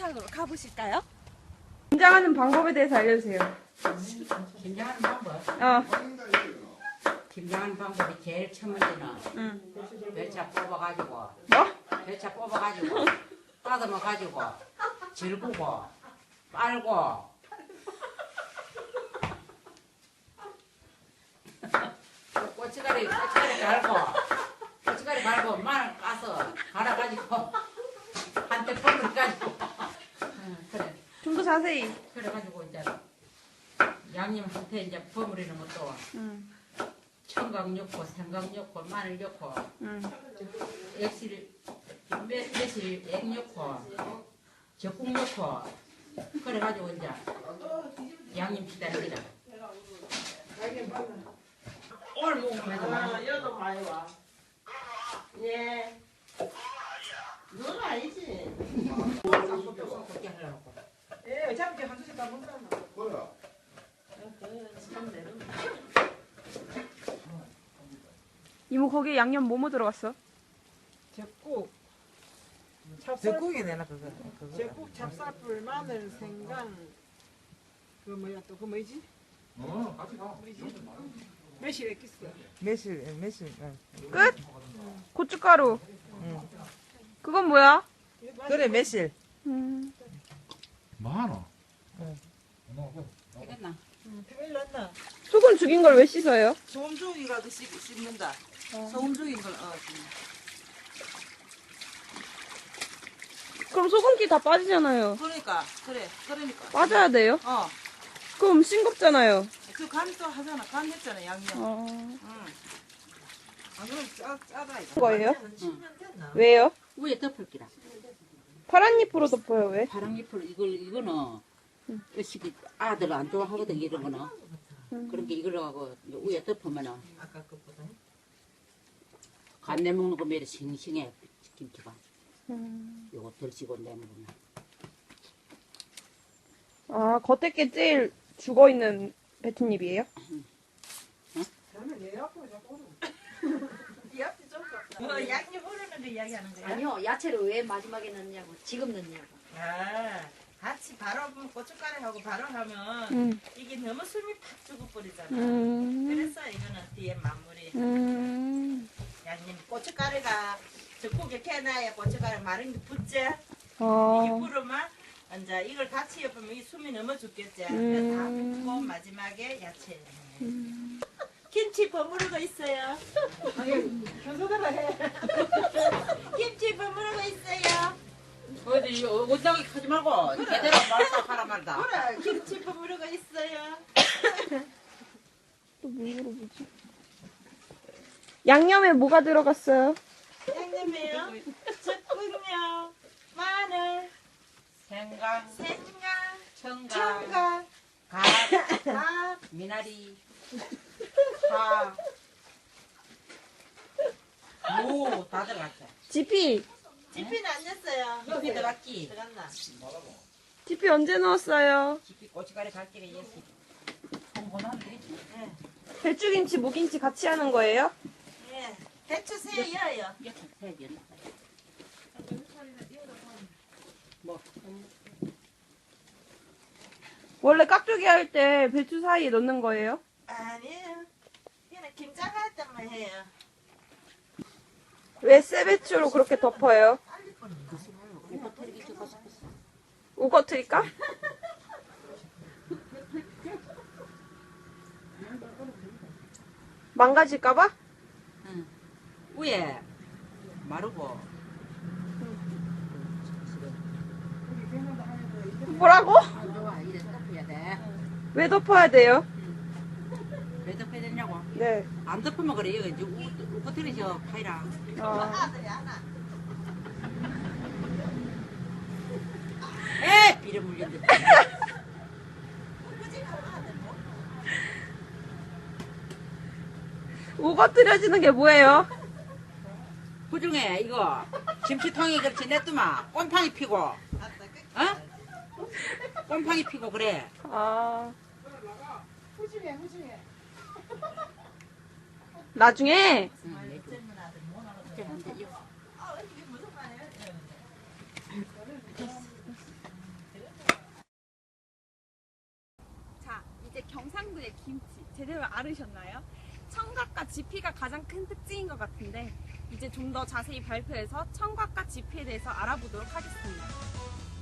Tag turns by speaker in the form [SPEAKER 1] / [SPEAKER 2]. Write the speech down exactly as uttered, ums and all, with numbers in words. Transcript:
[SPEAKER 1] 현장으로 가보실까요?
[SPEAKER 2] 김장하는 방법에 대해서 알려주세요.
[SPEAKER 3] 김장하는 방법?
[SPEAKER 2] 어.
[SPEAKER 3] 김장하는 방법이 제일 첫 번째는
[SPEAKER 2] 응.
[SPEAKER 3] 배차 뽑아가지고
[SPEAKER 2] 뭐?
[SPEAKER 3] 배차 뽑아가지고 따듬어가지고 질구고 빨고 고춧가루 고춧가루 갈고 고춧가루 갈고 마늘 까서 갈아가지고 한때 버무려가지고 그래
[SPEAKER 2] 좀 더 자세히.
[SPEAKER 3] 그래가지고 이제 양념한테 이제 버무리는 것도
[SPEAKER 2] 응.
[SPEAKER 3] 청각 넣고 생각 넣고 마늘 넣고
[SPEAKER 2] 응.
[SPEAKER 3] 액실 매, 매실 액 넣고 적국 넣고 그래가지고 이제 양념 치다는 거다. 오늘 먹으면
[SPEAKER 4] 아, 여도 많이 와. 예. 너는 아니지.
[SPEAKER 3] 그렇게 하려고.
[SPEAKER 4] 예, 어차피 한 주씩 다 먹잖아.
[SPEAKER 5] 뭐야?
[SPEAKER 2] 이모 거기에 양념 뭐뭐 들어갔어?
[SPEAKER 4] 제국.
[SPEAKER 6] 제국이 내나 그거. 그거.
[SPEAKER 4] 제국, 찹쌀풀, 마늘, 생강. 그 뭐야 또 그 뭐지?
[SPEAKER 5] 어, 같이 가.
[SPEAKER 4] 매실 액기스.
[SPEAKER 6] 매실 예, 매실. 응.
[SPEAKER 2] 끝? 고춧가루.
[SPEAKER 6] 응.
[SPEAKER 2] 그건 뭐야?
[SPEAKER 6] 그래 매실.
[SPEAKER 2] 음.
[SPEAKER 5] 많아.
[SPEAKER 3] 되겠나?
[SPEAKER 4] 일 넣나?
[SPEAKER 2] 소금 죽인 걸 왜 씻어요?
[SPEAKER 6] 소금 죽이라도 씹, 씹는다. 소금 죽인 걸 어.
[SPEAKER 2] 그럼 소금기 다 빠지잖아요.
[SPEAKER 6] 그러니까 그래 그러니까.
[SPEAKER 2] 빠져야 돼요?
[SPEAKER 6] 어.
[SPEAKER 2] 그럼 싱겁잖아요.
[SPEAKER 6] 그 간 또 하잖아. 간 했잖아 양념.
[SPEAKER 2] 어.
[SPEAKER 6] 응. 아 그럼 짜 짜다 이거.
[SPEAKER 2] 거예요?
[SPEAKER 6] 응.
[SPEAKER 2] 왜요?
[SPEAKER 3] 위에 덮을 기라.
[SPEAKER 2] 파란 잎으로 덮어요, 왜?
[SPEAKER 3] 파랑잎을 이걸 이거는 의식이 아들 안 좋아하거든 이런 거는. 그러니까 이걸 하고 위에 덮으면은
[SPEAKER 6] 아까 것보다.
[SPEAKER 3] 간 내먹는 거 매일 싱싱해 김치가.
[SPEAKER 2] 음.
[SPEAKER 3] 요거 덜 씹어 내먹으면.
[SPEAKER 2] 아, 겉에 게 제일 죽어있는 배춧잎이에요?
[SPEAKER 4] 저는 내 앞으로 자꾸 오르고. 이 앞이 좀 덥다. 뭐 양념 오르는 거 이야기하는 거야?
[SPEAKER 1] 아니요, 야채를 왜 마지막에 넣냐고, 지금 넣냐고.
[SPEAKER 4] 아, 같이 바로 고춧가루하고 바로 하면
[SPEAKER 2] 음.
[SPEAKER 4] 이게 너무 숨이 팍 죽어버리잖아.
[SPEAKER 2] 음.
[SPEAKER 4] 그래서 이거는 뒤에 마무리.
[SPEAKER 2] 음.
[SPEAKER 4] 양념 고춧가루가 적국에 캐놔야 고춧가루 마른 게 붙지.
[SPEAKER 2] 어.
[SPEAKER 4] 이게 부르면 이제 이걸 같이 엮으면 이 숨이 넘어 죽겠지.
[SPEAKER 2] 음.
[SPEAKER 4] 그래서 다 붓고 마지막에 야채. 김치 버무르고 있어요. 현소대로 해. 김치 버무르고 있어요.
[SPEAKER 3] 어디 원장이 하지 말고 제대로 말다 하라 말다.
[SPEAKER 4] 그래, 김치 버무르고 있어요.
[SPEAKER 2] 또 뭐 물어보지? 양념에 뭐가 들어갔어요?
[SPEAKER 4] 양념이요. 적군요. 마늘,
[SPEAKER 3] 생강,
[SPEAKER 4] 생강,
[SPEAKER 3] 청강,
[SPEAKER 4] 청강,
[SPEAKER 3] 갓,
[SPEAKER 4] 밥,
[SPEAKER 3] 미나리, 파, 무 다 들어갔어.
[SPEAKER 2] 지피!
[SPEAKER 4] 지피는 안 넣었어요.
[SPEAKER 3] 깊이 들어갔지.
[SPEAKER 4] 들어갔나?
[SPEAKER 2] 지피 언제 넣었어요?
[SPEAKER 3] 깊이 고춧가루 갈기가 예시. 홍보는 되지.
[SPEAKER 2] 배추김치, 무김치 같이 하는 거예요?
[SPEAKER 4] 예. 배추 새 여요.
[SPEAKER 3] 이렇게 해야 되나? 뭐
[SPEAKER 2] 원래 깍두기 할 때 배추 사이에 넣는 거예요?
[SPEAKER 4] 아니에요. 그냥 김장할 때만 해요.
[SPEAKER 2] 왜 새배추로 그렇게 덮어요?
[SPEAKER 3] 이거 털기 좋고 싶었어.
[SPEAKER 2] 우거트릴까? 망가질까봐?
[SPEAKER 3] 응. 위에 마르고
[SPEAKER 2] 뭐라고?
[SPEAKER 3] 안 좋아. 이래 덮어야 돼.
[SPEAKER 2] 왜 덮어야 돼요?
[SPEAKER 3] 왜 덮어야 되냐고?
[SPEAKER 2] 네.
[SPEAKER 3] 안 덮으면 그래. 이거 이제 우거트리죠 파이랑.
[SPEAKER 2] 아,
[SPEAKER 3] 에 비려 물린다.
[SPEAKER 2] 우거트려지는 게 뭐예요?
[SPEAKER 3] 그중에 이거 김치통에 그렇지 냈더만 꼼팡이 피고 어? 꼼팡이 피고 그래.
[SPEAKER 2] 아,
[SPEAKER 4] 후중에 후중에.
[SPEAKER 2] 나중에
[SPEAKER 3] 응, 내줘. 이제 안 돼, 이거.
[SPEAKER 4] 아, 이게 무슨 말이야?
[SPEAKER 7] 경상도의 김치 제대로 알으셨나요? 청각과 지피가 가장 큰 특징인 것 같은데 이제 좀 더 자세히 발표해서 청각과 지피에 대해서 알아보도록 하겠습니다.